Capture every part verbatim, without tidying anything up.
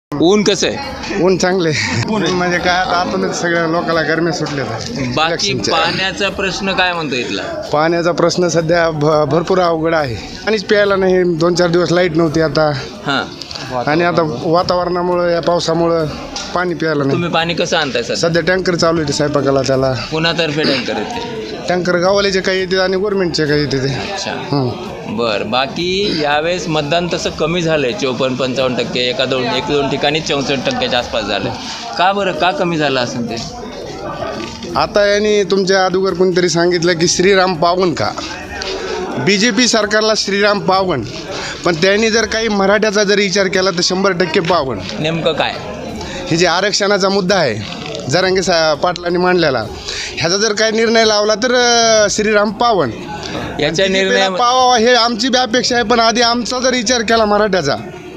ऊन कसं आहे? ऊन चांगले म्हणजे काय आता आतूनच सगळ्या लोकांना गरमी सुटले. बाकी पाण्याचा प्रश्न काय म्हणतो इथला? पाण्याचा प्रश्न सध्या भ- भरपूर अवघड आहे. पाणीच प्यायला नाही. दोन चार दिवस लाईट नव्हती आता, हां, आणि आता वातावरणामुळे या पावसामुळं पाणी प्यायला नाही. तुम्ही पाणी कसं आणताय सर? सध्या टँकर चालू आहे स्वयंपाकाला. त्याला पुण्यातर्फे टँकर येते? टँकर गावाल्याचे काही येते आणि गव्हर्नमेंटचे काही येते ते. अच्छा, हं. बर. बाकी यावेळेस मतदान तसं कमी झालंय, चौपन्न पंचावन्न टक्के, एका दोन एक दोन ठिकाणी चौसष्ट टक्क्याच्या आसपास झालं. का बरं, का कमी झालं असेल ते? आता यांनी तुमच्या अगोदर कोणतरी सांगितलं की श्रीराम पावन का. बी जे पी सरकारला श्रीराम पावन, पण त्यांनी जर काही मराठ्याचा जर विचार केला तर शंभर टक्के पावन. नेमकं काय? हे जे आरक्षणाचा मुद्दा आहे जरांगे सा पाटलांनी मांडलेला, ह्याचा जर काही निर्णय लावला तर अं, श्रीराम पावन. याच्या निर्णया पावावा हे आमची बी अपेक्षा आहे, पण आधी आमचा जर विचार केला मराठ्याचा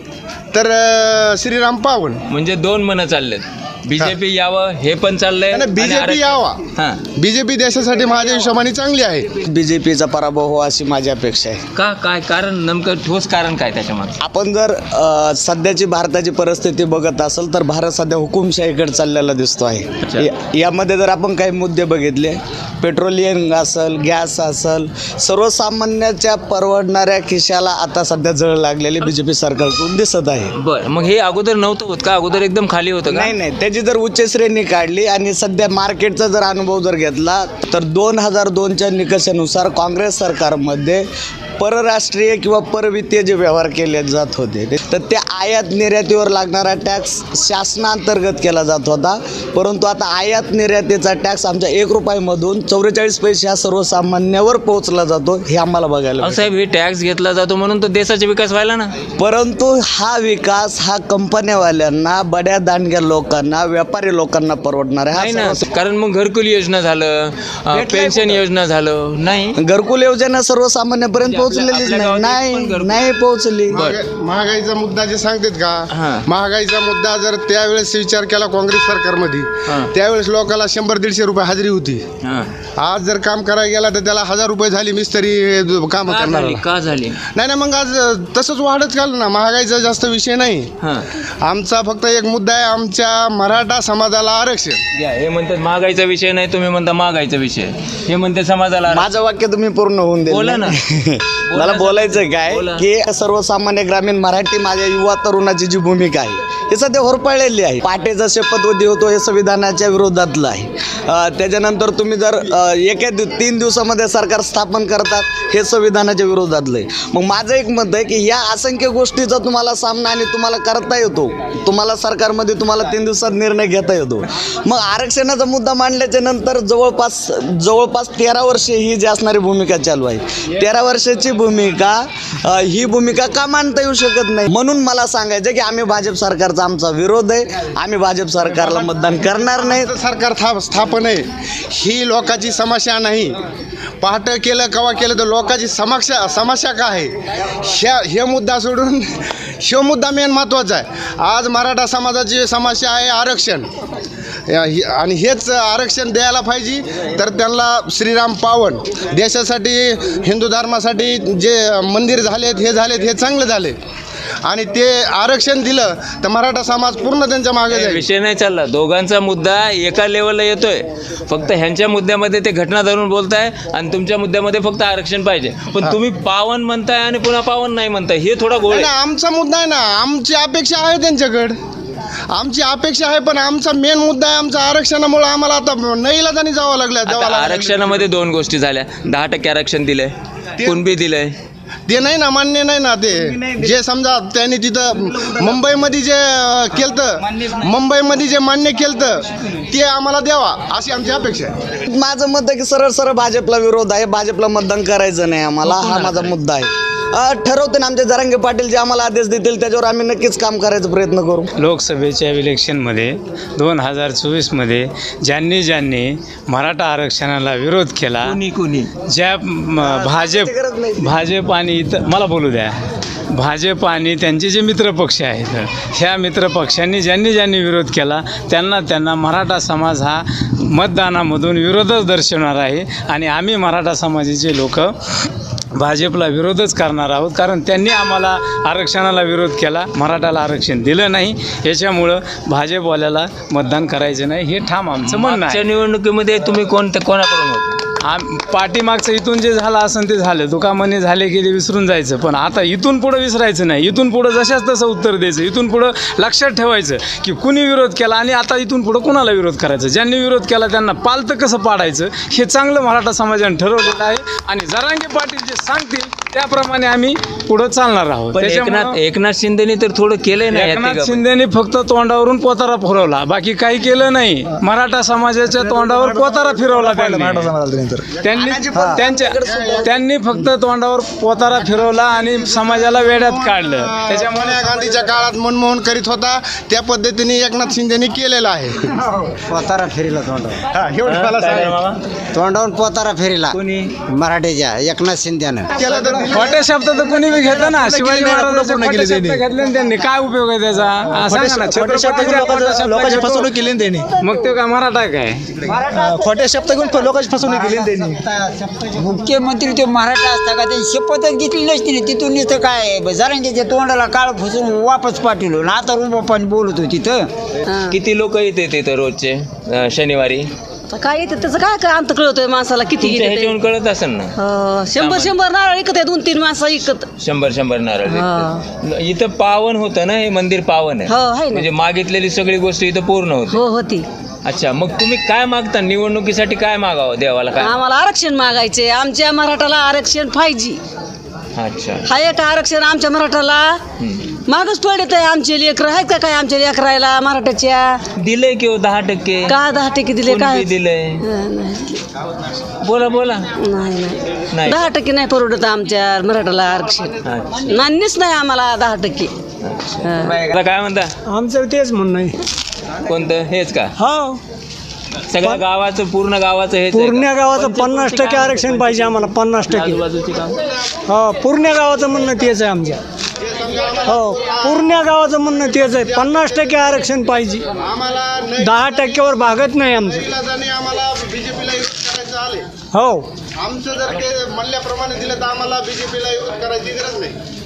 तर अं, श्रीराम पावन. म्हणजे दोन मनं चाललेत. बीजेपी यावं हे पण चाललंय, आणि बीजेपी आरक्षण- यावा. हां. बीजेपी देशासाठी माझ्या हिशोबाने चांगली आहे. बीजेपीचा पराभव हो अशी माझी अपेक्षा आहे. का? काय कारण? नेमकं ठोस कारण काय त्याच्यामागे? आपण जर अ, सध्याची भारताची परिस्थिती बघत असेल तर भारत सध्या हुकुमशाहीकडे चाललेला दिसतो अच्छा. आहे. या- यामध्ये जर आपण काही मुद्दे बघितले, पेट्रोलियम असेल, गॅस असेल, सर्वसामान्याच्या परवडणाऱ्या खिशाला आता सध्या जळ लागलेली बी जे पी सरकारकडून दिसत आहे. बरं, मग हे अगोदर नव्हतं होत का? अगोदर एकदम खाली होतं का? नाही नाही त्याची जर उच्च श्रेणी काढली आणि सध्या मार्केटचा जर अनुभव जर घेतला तर दोन हजार दोनच्या निकषानुसार काँग्रेस सरकारमध्ये परराष्ट्रीय किंवा परवित्तीय जे व्यवहार केले जात होते तर त्या आयात निर्यातीवर लागणारा टॅक्स शासनांतर्गत केला जात होता, परंतु आता आयात निर्यातीचा टॅक्स आमच्या एक रुपयामधून चौवेचाळीस पैसे हा सर्वसामान्यावर पोहोचला जातो. हे आम्हाला बघायला अहो साहेब, हे टॅक्स घेतला जातो म्हणून तर देशाचा विकास व्हायला ना. परंतु हा विकास हा कंपन्यावाल्यांना, बड्या दांडग्या लोकांना, व्यापारी लोकांना परवडणार आहे. नाही हा ना, सर्व- कारण मग घरकुल योजना झालं, अं, भेटलंय पेन्शन कुठं? योजना झालं नाही. घरकुल योजना सर्वसामान्यापर्यंत म्हणजे आपल्या- पोहोचलेलीच आपल्या नाही. गावात एक पण नाही घरकुल- नाही पोहोचली. महागाई- महागाईचा मुद्दा जे सांगतात हां. का, महागाईचा मुद्दा जर त्यावेळेस विचार केला काँग्रेस सरकारमध्ये, हां. त्यावेळेस लोकांना शंभर दीडशे रुपये हजेरी होती. हां. आज जर काम करायला गेला तर त्याला हजार रुपये झाली मिस्त्री काम का करणार. झाली? का झाली? नाही नाही मग आज तसंच वाढत चाललं ना. महागाईचा जास्त विषय नाही. हां. आमचा फक्त एक मुद्दा आहे, आमच्या मराठा समाजाला आरक्षण. घ्या, हे म्हणतात महागाईचा विषय नाही, तुम्ही म्हणता महागाईचा विषय. हे म्हणते समाजाला. माझं वाक्य तुम्ही पूर्ण होऊन दिलं. बोला ना. मला बोलायचं काय बोला. की सर्वसामान्य ग्रामीण मराठी माझ्या युवा तरुणाची जी भूमिका आहे हे सध्या होरपळलेली आहे. पाटेचा शपथविधी होतो हे संविधानाच्या विरोधातलं आहे. अ, त्याच्यानंतर तुम्ही जर अ, एका दिव तीन दिवसामध्ये सरकार स्थापन करतात हे संविधानाच्या विरोधातलं आहे. मग माझं एक मत आहे की या असंख्य गोष्टीचा तुम्हाला सामना आणि तुम्हाला करता येतो, तुम्हाला सरकारमध्ये तुम्हाला तीन दिवसात निर्णय घेता येतो. मग आरक्षणाचा मुद्दा मांडल्याच्या नंतर जवळपास जवळपास तेरा वर्षे ही जी असणारी भूमिका चालू आहे. तेरा वर्षाची भूमिका अ, ही भूमिका का मांडता येऊ शकत नाही? म्हणून मला सांगायचं की आम्ही भाजप सरकारचा आमचा विरोध आहे. आम्ही भाजप सरकारला मतदान करणार नाही. सरकार था स्थापन आहे ही लोकांची समस्या नाही. पहाट केलं कवा केलं तर लोकांची समस्या समस्या काय आहे ह्या हे मुद्दा सोडून ह्यो मुद्दा मेन महत्त्वाचा आहे. आज मराठा समाजाची समस्या आहे आरक्षण, या- ही- आणि हेच आरक्षण द्यायला पाहिजे. तर त्यांना श्रीराम पावन, देशासाठी हिंदू धर्मासाठी जे मंदिर झालेत हे झालेत हे चांगले झाले, आणि ते आरक्षण दिलं तर मराठा समाज पूर्ण त्यांच्या मागे जाईल. विषय नाही चालला. दोघांचा मुद्दा एका लेवलला येतोय. फक्त ह्यांच्या मुद्द्यामध्ये ते घटना धरून बोलताय आणि तुमच्या मुद्द्यामध्ये फक्त आरक्षण पाहिजे. पण तुम्ही पावन म्हणताय आणि पुन्हा पावन नाही म्हणताय, हे थोडा गोळ नाही, आहे. आमचा मुद्दा आहे ना, आमची अपेक्षा आहे त्यांच्याकडे, आमची अपेक्षा आहे, पण आमचा मेन मुद्दा आहे आमचा आरक्षणामुळे आम्हाला आता नाईलाजाने जावं लागलं आता जावं लागलं. आरक्षणामध्ये दोन गोष्टी झाल्या. दहा टक्के आरक्षण दिलंय, कुणबी दिलंय. ते नाही ना, मान्य नाही ना. ते जे समजा त्यांनी तिथं मुंबईमध्ये जे अं, केलतं, मुंबईमध्ये जे मान्य केलतं ते आम्हाला द्यावा अशी आमची अपेक्षा आहे. माझं मत आहे की सरळ सरळ भाजपला विरोध आहे. भाजपला मतदान करायचं नाही आम्हाला, हा माझा मुद्दा आहे. अ, ठरवते ना आमचे जरांगे पाटील जे आम्हाला आदेश देतील त्याच्यावर आम्ही नक्कीच काम करायचा प्रयत्न करू. लोकसभेच्या इलेक्शनमध्ये दोन हजार चोवीसमध्ये ज्यांनी ज्यांनी मराठा आरक्षणाला विरोध केला, कुणी कुणी ज्या म, भाजप भाजप आणि इतर मला बोलू द्या भाजप आणि त्यांचे जे मित्रपक्ष आहेत ह्या मित्रपक्षांनी ज्यांनी ज्यांनी विरोध केला त्यांना त्यांना मराठा समाज हा मतदानामधून विरोधच दर्शवणार आहे. आणि आम्ही मराठा समाजाचे लोक भाजपला विरोधच करणार आहोत, कारण त्यांनी आम्हाला आरक्षणाला विरोध केला, मराठाला आरक्षण दिलं नाही, याच्यामुळं भाजपवाल्याला मतदान करायचं नाही हे ठाम आमचं म्हणणं मागच्या आहे. निवडणुकीमध्ये तुम्ही कोणत्या कोणाकडून होते? आम पाठीमागचं इथून जे झालं असेल ते झालं, दुकामाने झाले की ते विसरून जायचं, पण आता इथून पुढं विसरायचं नाही, इथून पुढं जशाच तसं उत्तर द्यायचं, इथून पुढं लक्षात ठेवायचं की कुणी विरोध केला आणि आता इथून पुढं कुणाला विरोध करायचं, ज्यांनी विरोध केला त्यांना पालतं कसं पाडायचं हे चांगलं मराठा समाजाने ठरवलेलं आहे आणि जरांगे पाटील जे सांगतील त्याप्रमाणे आम्ही पुढं चालणार आहोत. पण एकनाथ एकनाथ शिंदेनी तर थोडं केलंय ना या एकनाथ तिघांपैकी. शिंदेनी फक्त तोंडावरून पोतारा फिरवला, बाकी काही केलं नाही. मराठा समाजाच्या तोंडावर पोतारा फिरवला त्यांनी त्यांनी त्यांच्या त्यांनी फक्त तोंडावर पोतारा फिरवला आणि समाजाला वेड्यात काढलं. त्याच्यामुळे सोनिया गांधीच्या काळात मनमोहन करीत होता त्या पद्धतीने एकनाथ शिंदेनी केलेलं आहे. पोतारा फेरीला तोंडावर हा, एवढं मला काय रे सांगायचं. मामा? तोंडावरून पोतारा फेरीला कोणी? मराठीच्या एकनाथ शिंदेनं केलं तर दिलं. खोटे शब्द तर कोणी बी घेतं ना. शिवाजी केली नाही, महाराजांचे पूर्ण खोटे केली शब्द त्यांनी. घेतले ना त्यांनी, काय उपयोग आहे त्याचा? हा, सांगा ना. छत्रपतीच्या खोटे शब्द लोकांची घेतो. फसवणूक केली ना त्यांनी. मग ते काय मराठा काय? खोटे शब्द घेऊन लोकांची फसवणूक केली ना त्यांनी. मुख्यमंत्री ते मराठा असता का ते शपथच घेतली नसती ना, तिथून नुसतं काय जरांगेच्या तोंडाला काळ फुसून वापस पाठवलो ना, आता रुबा पाणी बोलत होती तिथं. किती लोक येते तिथं रोजचे अं, शनिवारी? आता काय येते त्याचं काय काय अंत कळतोय माणसाला किती तुमच्या येते ह्याच्यावरून कळत असेल ना, हो, शंभर शंभर नारळ विकत आहे, दोन तीन माणसं विकत. शंभर शंभर नारळ विकतात. इथं पावन होतं ना, हे मंदिर पावन हो, आहे आहे ना. म्हणजे मागितलेली सगळी गोष्ट इथं पूर्ण होते. हो होती. अच्छा, मग तुम्ही काय मागता निवडणुकीसाठी? काय मागावं देवाला? काय? आम्हाला आरक्षण मागायचे, आमच्या मराठाला आरक्षण पाहिजे. अच्छा. हा एक आरक्षण आमच्या मराठाला हम्म. मागच पडत आहे. आमचे लेकर आहेत का काय आमच्या लेकरायला मराठाच्या? दिलंय की हो दहा टक्के? का दहा टक्के दिले कोण काय? बी दिलंय? हं, नाही बोला बोला. नाही नाही. नाही. दहा टक्के नाही परवडत आमच्या मराठाला आरक्षण. अच्छा. नाहीच नाही आम्हाला दहा टक्के. हं. मला काय म्हणता? आमचं तेच म्हणणं आहे. कोणतं? हेच का? हो, सगळ्या गावाचं, पूर्ण गावाचं हेच आहे का? पूर्ण गावाचं पन्नास टक्के आरक्षण पाहिजे आम्हाला. पन्नास टक्के आजूबाजूची गाव? हो, पूर्ण गावाचं म्हणणं तेच आहे आमच्या. हो, पूर्ण गावाचं म्हणणं तेच आहे. पन्नास टक्के आरक्षण पाहिजे. आम्हाला दहा टक्क्यावर भागत नाही आमचं. नाही आम्हाला बीजेपीला विरोध करायचं आले. हो, आमचं जर ते म्हणल्याप्रमाणे दिलं तर आम्हाला बीजेपीला विरोध करायची गरज नाही.